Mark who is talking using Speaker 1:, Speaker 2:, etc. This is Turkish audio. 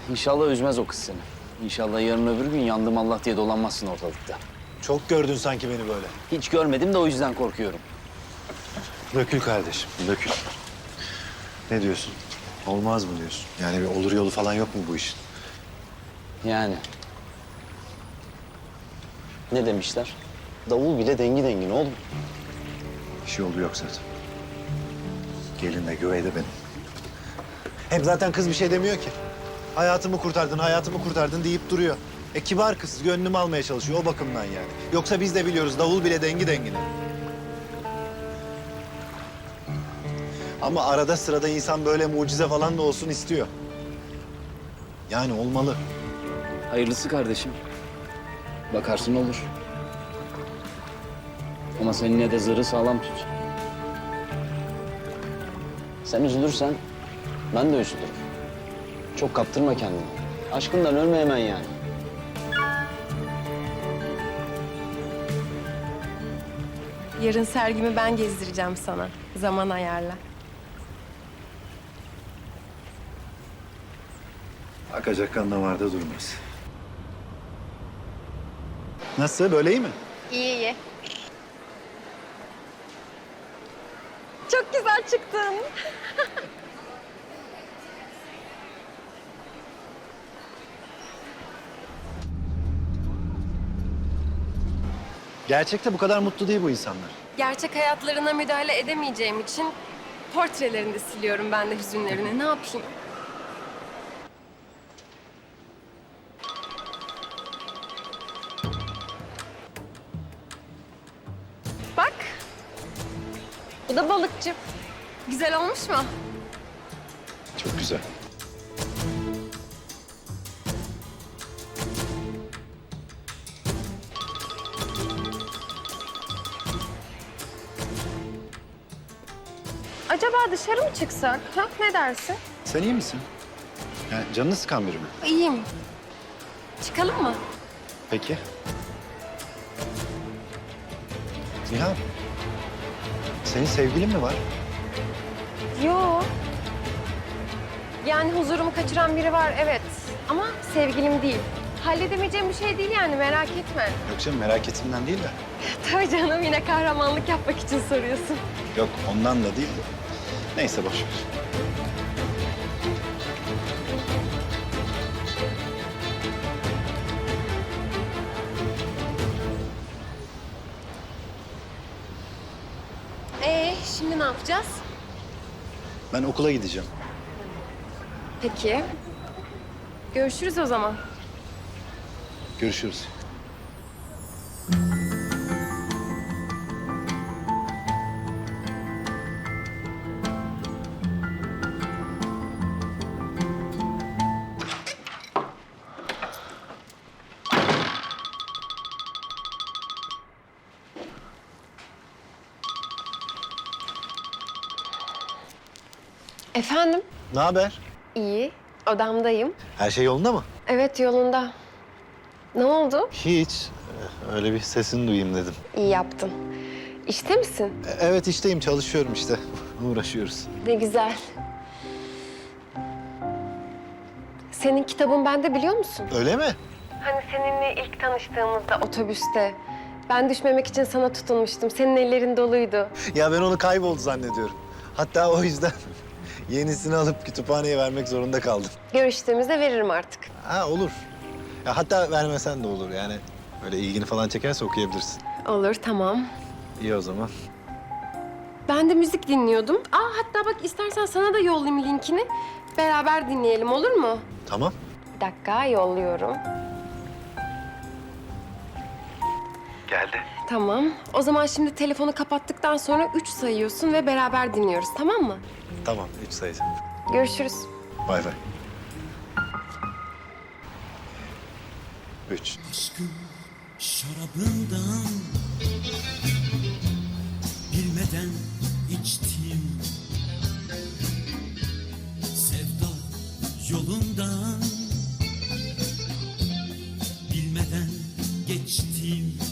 Speaker 1: İnşallah üzmez o kız seni. İnşallah yarın öbür gün yandım Allah diye dolanmazsın ortalıkta.
Speaker 2: Çok gördün sanki beni böyle.
Speaker 1: Hiç görmedim de o yüzden korkuyorum.
Speaker 2: Dökül kardeşim, dökül. Ne diyorsun? Olmaz mı diyorsun? Yani bir olur yolu falan yok mu bu işin?
Speaker 1: Yani. Ne demişler? Davul bile dengi dengine oğlum.
Speaker 2: Bir şey oldu yok zaten. Gelin de güvey de benim. Hem zaten kız bir şey demiyor ki. Hayatımı kurtardın, hayatımı kurtardın deyip duruyor. Kibar kız, gönlümü almaya çalışıyor o bakımdan yani. Yoksa biz de biliyoruz davul bile dengi dengine. Ama arada sırada insan böyle mucize falan da olsun istiyor. Yani olmalı.
Speaker 1: Hayırlısı kardeşim. Bakarsın olur. Ama sen yine de zırhı sağlam tut. Sen üzülürsen ben de üzülürüm. Çok kaptırma kendini. Aşkından ölme hemen yani.
Speaker 3: Yarın sergimi ben gezdireceğim sana. Zaman ayarla.
Speaker 2: Akacak kan damarda durmaz. Nasıl, böyle iyi mi?
Speaker 3: İyi iyi. Çok güzel çıktın.
Speaker 2: Gerçekte bu kadar mutlu değil bu insanlar.
Speaker 3: Gerçek hayatlarına müdahale edemeyeceğim için portrelerini de siliyorum ben de hüzünlerini. Ne yapayım? Bak. Bu da balıkçı. Güzel olmuş mu?
Speaker 2: Çok güzel.
Speaker 3: Acaba dışarı mı çıksak? Ha? Ne dersin?
Speaker 2: Sen iyi misin? Yani canını sıkan biri mi?
Speaker 3: İyiyim. Çıkalım mı?
Speaker 2: Peki. Nihan, senin sevgilin mi var?
Speaker 3: Yo. Yani huzurumu kaçıran biri var evet. Ama sevgilim değil. Halledemeyeceğim bir şey değil yani merak etme.
Speaker 2: Yok canım, merak ettiğimden değil de.
Speaker 3: Tabii canım yine kahramanlık yapmak için soruyorsun.
Speaker 2: Yok, ondan da değil de. Neyse, boş ver.
Speaker 3: Şimdi ne yapacağız?
Speaker 2: Ben okula gideceğim.
Speaker 3: Peki. Görüşürüz o zaman.
Speaker 2: Görüşürüz.
Speaker 3: Efendim?
Speaker 2: Ne haber?
Speaker 3: İyi. Odamdayım.
Speaker 2: Her şey yolunda mı?
Speaker 3: Evet yolunda. Ne oldu?
Speaker 2: Hiç. Öyle bir sesini duyayım dedim.
Speaker 3: İyi yaptın. İşte misin?
Speaker 2: Evet, işteyim, çalışıyorum işte. Uğraşıyoruz.
Speaker 3: Ne güzel. Senin kitabın bende biliyor musun?
Speaker 2: Öyle mi?
Speaker 3: Hani seninle ilk tanıştığımızda otobüste. Ben düşmemek için sana tutunmuştum. Senin ellerin doluydu.
Speaker 2: Ya ben onu kayboldu zannediyorum. Hatta o yüzden yenisini alıp kütüphaneye vermek zorunda kaldım.
Speaker 3: Görüştüğümüzde veririm artık.
Speaker 2: Ha, olur. Ya hatta vermesen de olur yani. Öyle ilgini falan çekerse okuyabilirsin.
Speaker 3: Olur, tamam.
Speaker 2: İyi o zaman.
Speaker 3: Ben de müzik dinliyordum. Hatta bak istersen sana da yollayayım linkini. Beraber dinleyelim olur mu?
Speaker 2: Tamam.
Speaker 3: Bir dakika yolluyorum.
Speaker 2: Geldi.
Speaker 3: Tamam. O zaman şimdi telefonu kapattıktan sonra 3 sayıyorsun ve beraber dinliyoruz tamam mı?
Speaker 2: Tamam, 3 sayacağım.
Speaker 3: Görüşürüz.
Speaker 2: Bay bay. 3.
Speaker 4: Aşkın şarabından bilmeden içtim, sevda yolundan bilmeden geçtim.